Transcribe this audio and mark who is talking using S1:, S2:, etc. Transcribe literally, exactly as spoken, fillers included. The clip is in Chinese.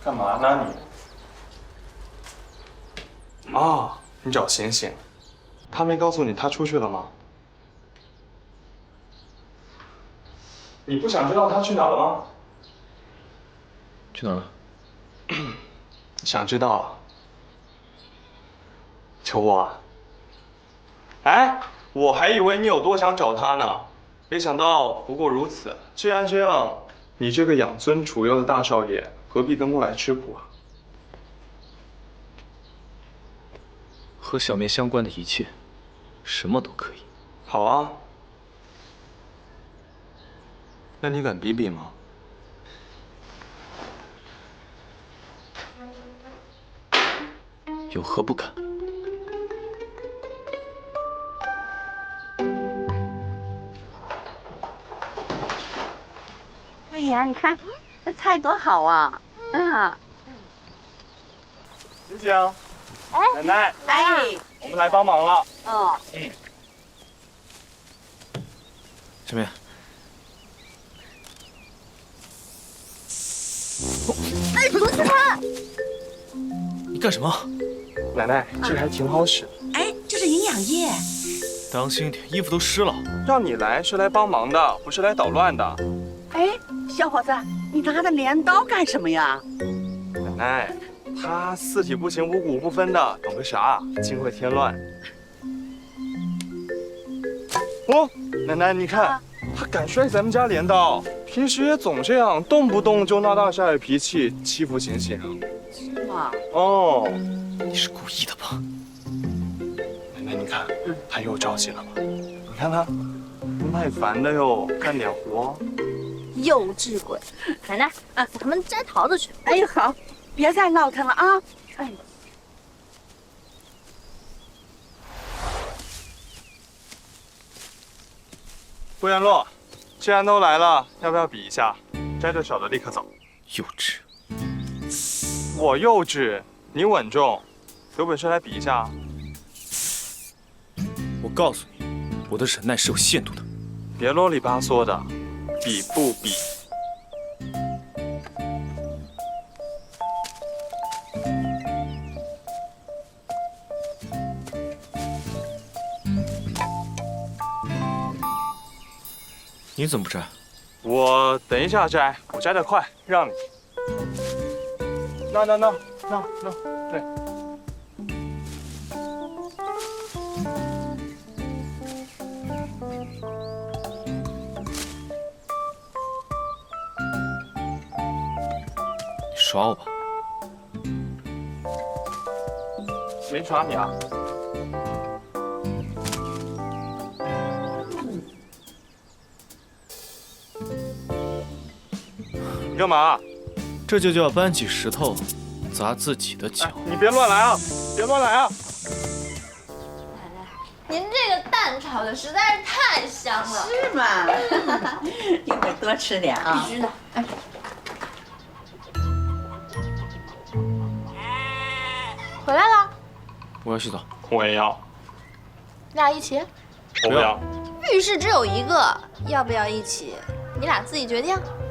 S1: 干嘛呢你？啊，你找醒醒。他没告诉你他出去了吗？你不想知道他去哪了吗？
S2: 去哪儿了？
S1: 想知道？求我啊！哎，我还以为你有多想找他呢，没想到不过如此。既然这样，你这个养尊处优的大少爷，何必跟过来吃苦啊？
S2: 和小面相关的一切，什么都可以。
S1: 好啊，那你敢比比吗？
S2: 有何不敢？
S3: 哎呀，你看这菜多好啊！嗯。
S1: 醒醒，奶奶，
S3: 哎，
S1: 我们来帮忙了。
S3: 哦。
S1: 嗯。
S2: 小面。
S3: 哎，不是他。
S2: 你干什么？
S1: 奶奶，这个还挺好使。
S3: 哎，这是营养液。
S2: 当心点，衣服都湿了。
S1: 让你来是来帮忙的，不是来捣乱的。
S3: 哎，小伙子，你拿着镰刀干什么呀？
S1: 奶奶，他四体不勤，五谷不分的，懂个啥？净会添乱。哦，奶奶，你看，他敢摔咱们家镰刀，平时也总这样，动不动就闹大下野脾气，欺负醒醒。
S3: 是吗？
S1: 哦，
S2: 你是故意的吧？
S1: 奶奶，你看，他又着急了吧？你看他，不耐烦的哟，干点活。
S4: 幼稚鬼！奶奶，啊，咱们摘桃子去。
S3: 哎呦，好，别再闹腾了啊！哎。
S1: 顾元洛，既然都来了，要不要比一下？摘的少的立刻走。
S2: 幼稚！
S1: 我幼稚，你稳重，有本事来比一下。
S2: 我告诉你，我的忍耐是有限度的。
S1: 别啰里吧嗦的，比不比？
S2: 你怎么不摘？
S1: 我等一下摘，我摘得快，让你。那那那那那，对。
S2: 你耍我吧？
S1: 没耍你啊。你干嘛？
S2: 这就叫搬起石头砸自己的脚。
S1: 哎，你别乱来啊！别乱来啊！
S4: 奶奶，您这个蛋炒的实在是太香了。
S3: 是吗？一会儿多吃点啊。
S4: 必须的。哎。回来了。
S2: 我要洗澡。
S1: 我也要。
S4: 你俩一起？
S1: 我不要。
S4: 浴室只有一个，要不要一起？你俩自己决定。